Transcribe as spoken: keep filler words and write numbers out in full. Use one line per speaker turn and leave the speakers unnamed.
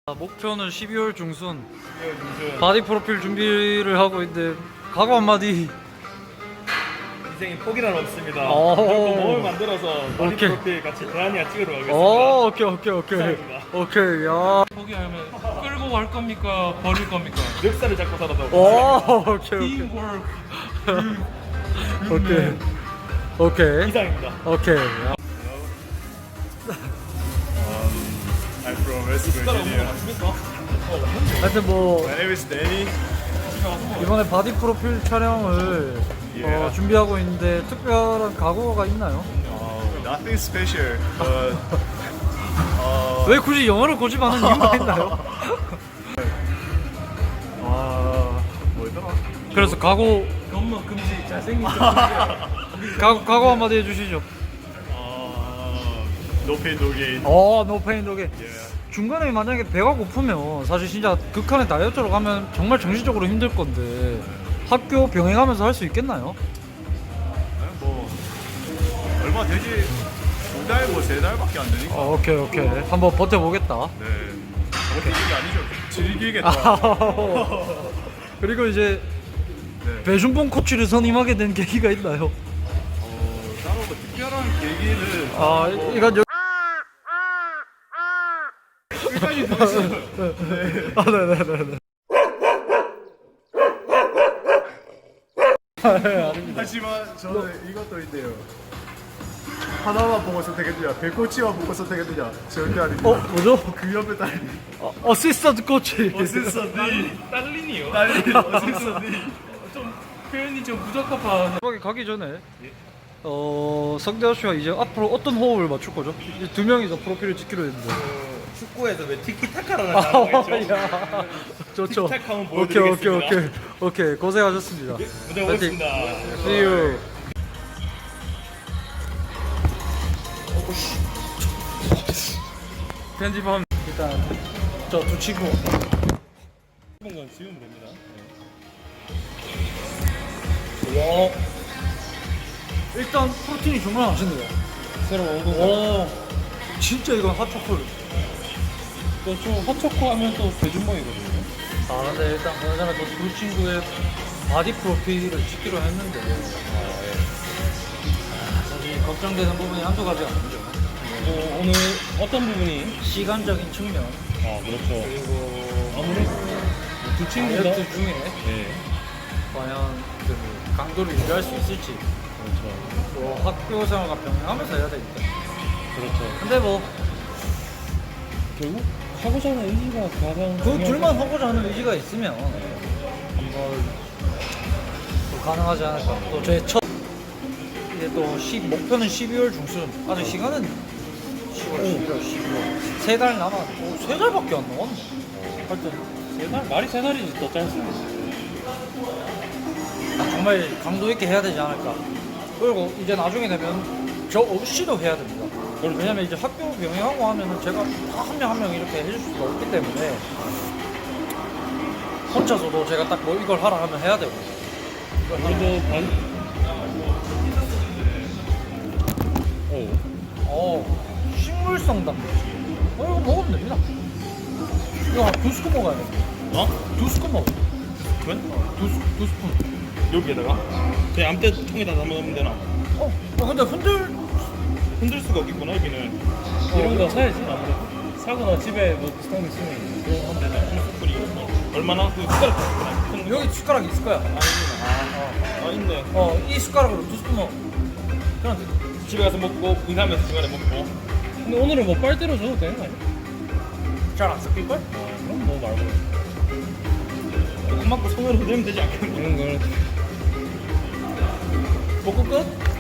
목표는 십이월 중순
십이월 중순
바디 프로필 준비를 하고 있는데 각오 한마디.
인생에 포기란 없습니다.
오.
무조건 몸을 만들어서 바디
오케이.
프로필 같이 대한이와 찍으러 가겠습니다.
오, 오케이 오케이 오케이
감사합니다.
오케이. 야.
포기하면 끌고 갈 겁니까? 버릴 겁니까?
멱살을 잡고 살아도
오, 오케이 오케이
팀워크.
오케이 오케이
이상입니다.
오케이.
I'm from West
숟가락 없는 거
Virginia.
맞습니까?
하여튼 뭐
My name is Danny.
이번에 바디 프로필 촬영을 어,
Yeah.
준비하고 있는데 특별한 각오가 있나요?
Uh, nothing special, but uh,
왜 굳이 영어를 고집하는 이유가 있나요?
아 뭐였더라?
그래서 각오
겁먹 금지. 잘생긴
각오, 각오 한마디 해주시죠.
아 No pain, no gain.
어, 노 페인 노게.
Yeah.
중간에 만약에 배가 고프면 사실 진짜 극한의 다이어트로 가면 정말 정신적으로 힘들 건데 학교 병행하면서 할 수 있겠나요?
네, 뭐 얼마 되지 두 달 뭐 세 달밖에 안 되니까.
어, 오케이 오케이 한번 버텨보겠다.
네. 버티는 게 아니죠. 즐기겠다.
그리고 이제
네.
배준봉 코치를 선임하게 된 계기가 있나요?
어, 따로 뭐 특별한 계기는
아
뭐,
이건 여...
끝까지 들으시면
아 네네네네.
하지만 저는 이것도 있네요. 하나만 보고 선택했느냐, 백코치만 보고 선택했느냐, 절대 아닙니다.
어 뭐죠?
그 옆에 딸,
어, 어시스턴트 코치.
어시스턴트,
딸린이요.
딸, 어시스턴트.
좀 표현이 좀 부적합한.
거기 가기 전에 어 성대호 씨와 이제 앞으로 어떤 호흡을 맞출 거죠? 이제 두 명이서 프로필을 찍기로 했는데.
축구에서 왜 티키타카라는 단어가 있죠?
야, 좋죠.
틱탁 한번
오케이 오케이
보여드리겠습니다.
오케이 오케이 고생하셨습니다.
무대 보겠습니다.
See you.
편집함.
일단 저 두 친구.
이런 건 지우면 됩니다.
와. 일단 프로틴이 정말 맛있네요.
새로 오고.
오. 진짜 이건 핫초콜.
또좀 헛초코 하면 또 배준봉이거든요.
아 근데 일단 그나저나 저두 친구의 바디 프로필을 찍기로 했는데 아, 사실 걱정되는 부분이 한두 가지가 아니죠.
어, 오늘 어떤 부분이?
시간적인 측면
아 그렇죠.
그리고
아무래도 두 친구가.
다이어트 중에
네.
과연 그 강도를 유지할 수 있을지
그렇죠.
또 학교 생활과 병행하면서 해야 되니까.
그렇죠.
근데 뭐 그
결국 하고자 하는 의지가 가장.
둘만 하고자 하는 의지가 있으면 한번 또 가능하지 않을까. 또 제 첫 이제 또 시, 목표는 십이월 중순. 아직 시간은 시월, 십일월, 십이월 세 달 남았고 세 달밖에 안 남았네. 하여튼
세 달? 말이 세 달이지 더 짧습니다.
정말 강도 있게 해야 되지 않을까. 그리고 이제 나중에 되면 저 없이도 해야 됩니다.
그렇죠.
왜냐면 이제 학교 병행하고 하면은 제가 한 명 한 명 이렇게 해줄 수가 없기 때문에 혼자서도 제가 딱 뭐 이걸 하라 하면 해야 되고.
우리도 반. 오.
어, 식물성 단백질. 어, 이거 먹으면 됩니다. 이거 한 두 스푼 먹어야 돼.
어?
두 스푼 먹어.
왜?
두, 스- 두 스푼.
여기에다가 그냥 아무 때 통에다 담아놓으면 되나?
어, 어, 근데 흔들.
흔들 수가 없겠구나 여기는.
이런 거 사야지 아무래도. 사거나 집에 뭐 비슷한 거 있으면 그거 하면 되잖아.
스푼이 얼마나? 그 숟가락 큰 거.
여기 숟가락 있을 거야.
아 있네.
어, 이 숟가락으로 두 스푼 먹어. 그럼 돼.
집에 가서 먹고 인사하면서 중간에 먹고.
근데 오늘은 뭐 빨대로 줘도 되는 거 아니야?
잘안 섞일걸?
어, 그럼 뭐 말고.
조금 맞고 손으로 흔들면 되지 않겠나?
이런 걸.
먹고 끝?